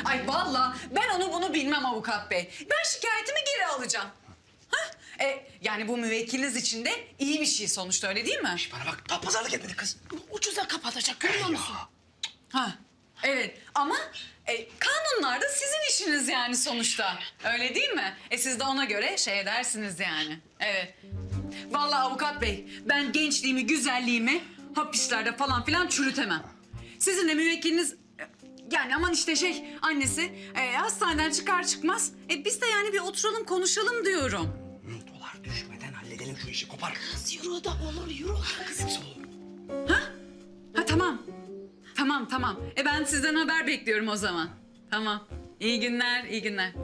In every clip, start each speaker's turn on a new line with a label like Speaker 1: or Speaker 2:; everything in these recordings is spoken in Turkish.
Speaker 1: Ay vallahi ben onu bunu bilmem avukat bey. Ben şikayetimi geri alacağım. Yani bu müvekkiliniz için de iyi bir şey sonuçta, öyle değil mi?
Speaker 2: Bana bak, daha pazarlık etmedik kız.
Speaker 3: Ucuza kapatacak, görüyor musun?
Speaker 1: Ha, evet ama kanunlar da sizin işiniz yani sonuçta. Öyle değil mi? Siz de ona göre şey edersiniz yani. Evet. Vallahi avukat bey, ben gençliğimi, güzelliğimi hapislerde falan filan çürütemem. Sizin de müvekkiliniz yani aman işte annesi hastaneden çıkar çıkmaz biz de yani bir oturalım konuşalım diyorum.
Speaker 2: Dolar düşmeden halledelim şu işi, kopar.
Speaker 3: Kız euro da olur, euro da kız.
Speaker 2: Hepsi olur.
Speaker 1: Ha tamam. Tamam. Ben sizden haber bekliyorum o zaman. Tamam. İyi günler, iyi günler.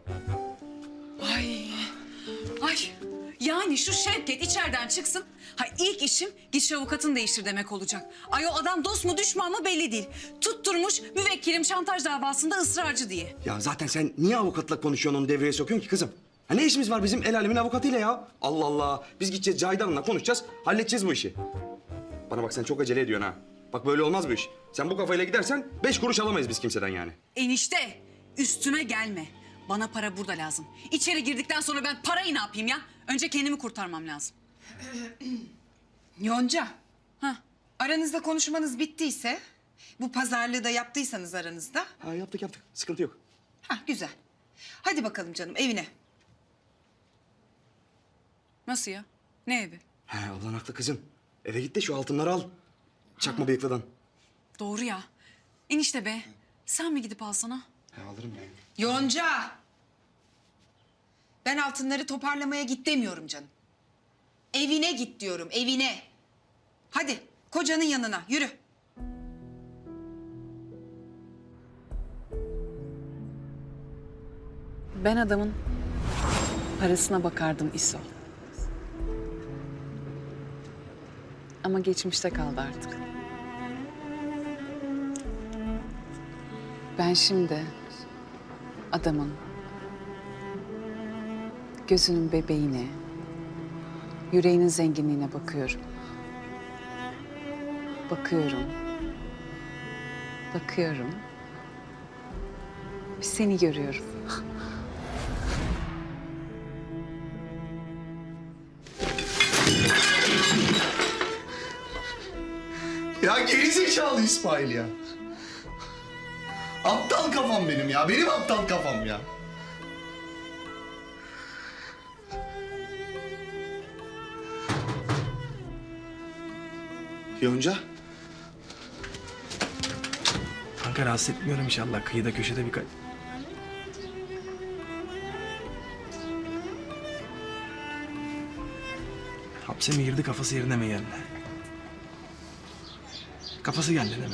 Speaker 1: Ay. Yani şu Şevket içeriden çıksın. Ha ilk işim git avukatını değiştir demek olacak. Ay o adam dost mu düşman mı belli değil. Tutturmuş müvekkilim şantaj davasında ısrarcı diye.
Speaker 2: Ya zaten sen niye avukatla konuşuyorsun, onu devreye sokuyorsun ki kızım? Ha ne işimiz var bizim el alemin avukatıyla ya? Allah Allah. Biz gideceğiz Cahide Hanım'la konuşacağız, halledeceğiz bu işi. Bana bak, sen çok acele ediyorsun ha. Bak böyle olmaz bu iş. Sen bu kafayla gidersen 5 kuruş alamayız biz kimseden yani.
Speaker 1: Enişte üstüme gelme. Bana para burada lazım. İçeri girdikten sonra ben parayı ne yapayım ya? Önce kendimi kurtarmam lazım.
Speaker 4: Yonca,
Speaker 1: Hah.
Speaker 4: aranızda konuşmanız bittiyse, bu pazarlığı da yaptıysanız aranızda,
Speaker 2: Ha yaptık. Sıkıntı yok.
Speaker 4: güzel. Hadi bakalım canım evine.
Speaker 1: Nasıl ya? Ne evi?
Speaker 2: He ablan haklı kızım. Eve git de şu altınları al. Çakma bıyıklıdan.
Speaker 1: Doğru ya. Enişte be. Sen mi gidip alsana?
Speaker 2: He alırım ben.
Speaker 4: Yonca! Ben altınları toparlamaya git demiyorum canım. Evine git diyorum, evine. Hadi kocanın yanına, yürü.
Speaker 1: Ben adamın parasına bakardım İso. Ama geçmişte kaldı artık. Ben şimdi adamın gözünün bebeğine, yüreğinin zenginliğine bakıyorum. Bakıyorum. Bir seni görüyorum.
Speaker 5: Ya gerizekalı İsmail ya. Aptal kafam benim ya. Benim aptal kafam ya. Yonca.
Speaker 2: Kanka rahatsız etmiyorum inşallah. Kıyıda köşede birkaç... Hapse mi girdi, kafası yerine mi geldi? Kafası geldi değil mi?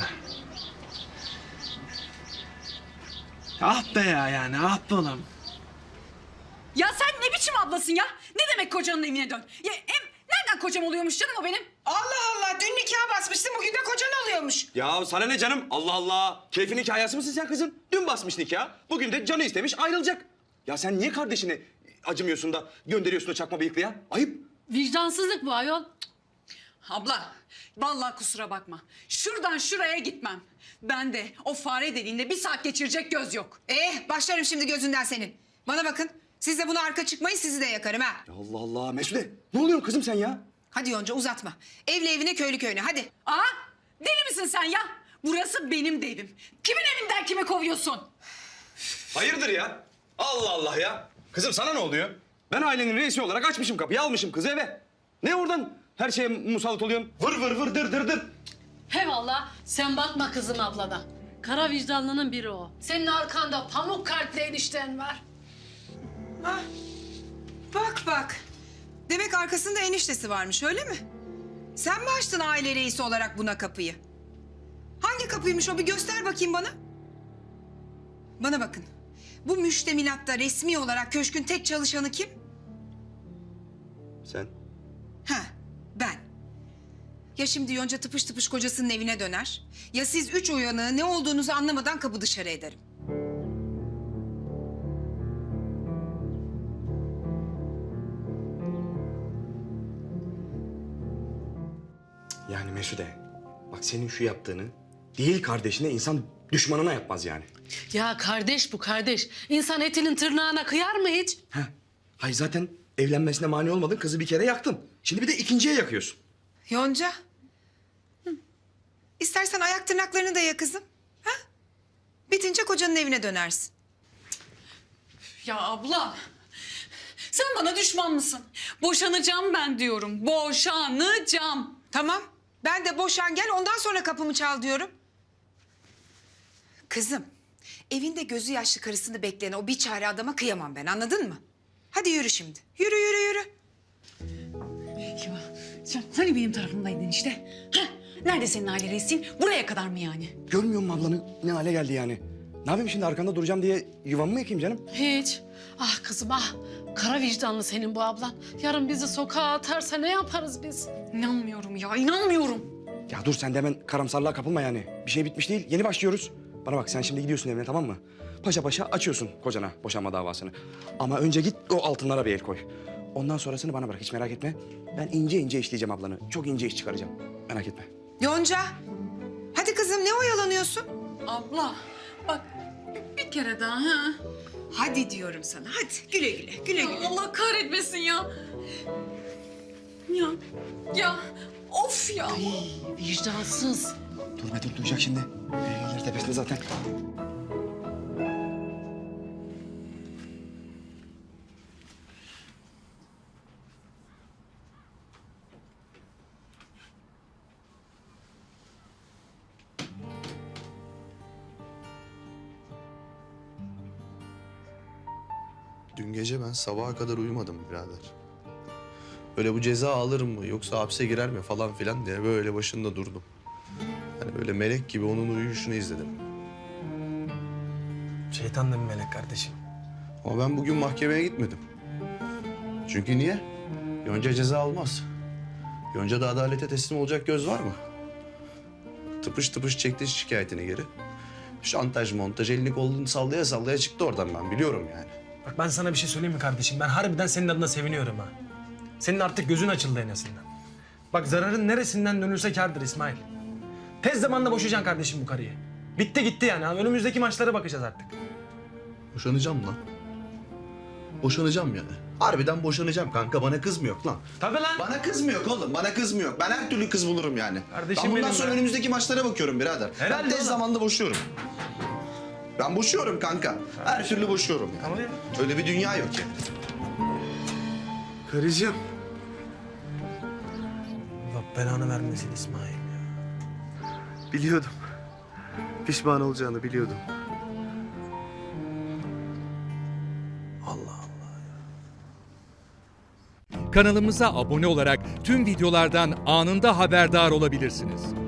Speaker 2: Ah be ya yani, ah be oğlum.
Speaker 1: Ya sen ne biçim ablasın ya? Ne demek kocanın evine dön? Ya nereden kocam oluyormuş canım o benim?
Speaker 4: Allah Allah, dün nikah basmışsın, bugün de kocan oluyormuş.
Speaker 2: Ya sana ne canım? Allah Allah. Keyfin hikayesi misin sen kızım? Dün basmış nikah. Bugün de canı istemiş, ayrılacak. Ya sen niye kardeşine acımıyorsun da gönderiyorsun o çakma bıyıklıya? Ayıp.
Speaker 3: Vicdansızlık bu ayol.
Speaker 1: Abla, vallahi kusura bakma. Şuradan şuraya gitmem. Ben de o fare deliğinde bir saat geçirecek göz yok.
Speaker 4: Başlarım şimdi gözünden senin. Bana bakın, siz de buna arka çıkmayın, sizi de yakarım ha.
Speaker 2: Ya Allah Allah. Mesude, ne oluyorsun kızım sen ya?
Speaker 4: Hadi Yonca uzatma. Evli evine, köylü köyüne, hadi.
Speaker 1: Deli misin sen ya? Burası benim de evim. Kimin evinden kimi kovuyorsun?
Speaker 2: Hayırdır ya? Allah Allah ya. Kızım sana ne oluyor? Ben ailenin reisi olarak açmışım kapıyı, almışım kızı eve. Ne oradan her şeye musallat oluyorsun? Vır vır vır dır dır dır.
Speaker 3: He valla sen bakma kızım ablana. Kara vicdanlının biri o. Senin arkanda pamuk kalpli enişten var.
Speaker 4: Bak. Demek arkasında eniştesi varmış, öyle mi? Sen mi açtın aile reisi olarak buna kapıyı? Hangi kapıymış o, bir göster bakayım bana. Bana bakın. Bu müştemilatta resmi olarak köşkün tek çalışanı kim?
Speaker 2: Sen?
Speaker 4: Ben. Ya şimdi Yonca tıpış tıpış kocasının evine döner, ya siz üç uyanığı ne olduğunuzu anlamadan kapı dışarı ederim.
Speaker 2: Yani Mesude, bak senin şu yaptığını Değil kardeşine, insan düşmanına yapmaz yani.
Speaker 3: Ya kardeş bu kardeş. İnsan etinin tırnağına kıyar mı hiç?
Speaker 2: Heh. Hayır zaten evlenmesine mani olmadın, kızı bir kere yaktın. Şimdi bir de ikinciye yakıyorsun.
Speaker 4: Yonca. İstersen ayak tırnaklarını da ya kızım. Ha? Bitince kocanın evine dönersin.
Speaker 1: Ya abla, sen bana düşman mısın? Boşanacağım ben diyorum, boşanacağım.
Speaker 4: Tamam. Ben de boşan gel ondan sonra kapımı çal diyorum. Kızım, evinde gözü yaşlı karısını bekleyen o bir çare adama kıyamam ben, anladın mı? Hadi yürü şimdi. Yürü, yürü, yürü.
Speaker 1: Ya sen hani benim tarafımdaydın işte? Heh, nerede senin aile reisin? Buraya kadar mı yani?
Speaker 2: Görmüyor musun ablanın ne hale geldi yani? Ne yapayım şimdi, arkanda duracağım diye yuvamı mı yakayım canım?
Speaker 3: Hiç. Ah kızım ah. Kara vicdanlı senin bu ablan. Yarın bizi sokağa atarsa ne yaparız biz?
Speaker 1: İnanmıyorum ya, inanmıyorum.
Speaker 2: Ya dur sen de hemen karamsarlığa kapılma yani. Bir şey bitmiş değil, yeni başlıyoruz. Bana bak, sen şimdi gidiyorsun evine, tamam mı? Paşa paşa açıyorsun kocana boşanma davasını. Ama önce git o altınlara bir el koy. Ondan sonrasını bana bırak, hiç merak etme. Ben ince ince işleyeceğim ablanı. Çok ince iş çıkaracağım. Merak etme.
Speaker 4: Yonca. Hadi kızım ne oyalanıyorsun?
Speaker 1: Abla, bak bir kere daha ha.
Speaker 4: Hadi diyorum sana hadi güle güle güle güle.
Speaker 1: Allah kahretmesin ya. Ya, of ya.
Speaker 3: Vicdansız.
Speaker 2: Dur be dur, duyacak şimdi. Elleri tepesinde zaten.
Speaker 5: Dün gece ben sabaha kadar uyumadım birader. Böyle bu ceza alır mı yoksa hapse girer mi falan filan diye böyle başında durdum. Hani böyle melek gibi onun uyuyuşunu izledim.
Speaker 6: Şeytan da bir melek kardeşim.
Speaker 5: Ama ben bugün mahkemeye gitmedim. Çünkü niye? Yonca ceza almaz. Yonca'da adalete teslim olacak göz var mı? Tıpış tıpış çekti şikayetini geri. Şantaj montaj elini kolunu sallaya sallaya çıktı oradan, ben biliyorum yani.
Speaker 6: Bak ben sana bir şey söyleyeyim mi kardeşim? Ben harbiden senin adına seviniyorum ha. Senin artık gözün açıldı en azından. Bak zararın neresinden dönülse kârdır İsmail. Tez zamanda boşayacaksın kardeşim bu karıyı. Bitti gitti yani. Önümüzdeki maçlara bakacağız artık.
Speaker 5: Boşanacağım lan. Boşanacağım yani. Harbiden boşanacağım kanka, bana kız mı yok lan?
Speaker 6: Tabii lan.
Speaker 5: Bana kız mı yok oğlum? Bana kız mı yok? Ben her türlü kız bulurum yani.
Speaker 6: Kardeşim
Speaker 5: ben bundan
Speaker 6: benim
Speaker 5: sonra
Speaker 6: be.
Speaker 5: önümüzdeki maçlara bakıyorum birader.
Speaker 6: Herhalde
Speaker 5: ben tez
Speaker 6: oğlum.
Speaker 5: zamanda boşuyorum. Ben boşuyorum kanka. Her türlü boşuyorum yani.
Speaker 6: Ama ya.
Speaker 5: Öyle bir dünya yok yani.
Speaker 6: Karıcığım. Allah belanı vermesin İsmail ya.
Speaker 7: Biliyordum. Pişman olacağını biliyordum.
Speaker 6: Allah Allah.
Speaker 8: Kanalımıza abone olarak tüm videolardan anında haberdar olabilirsiniz.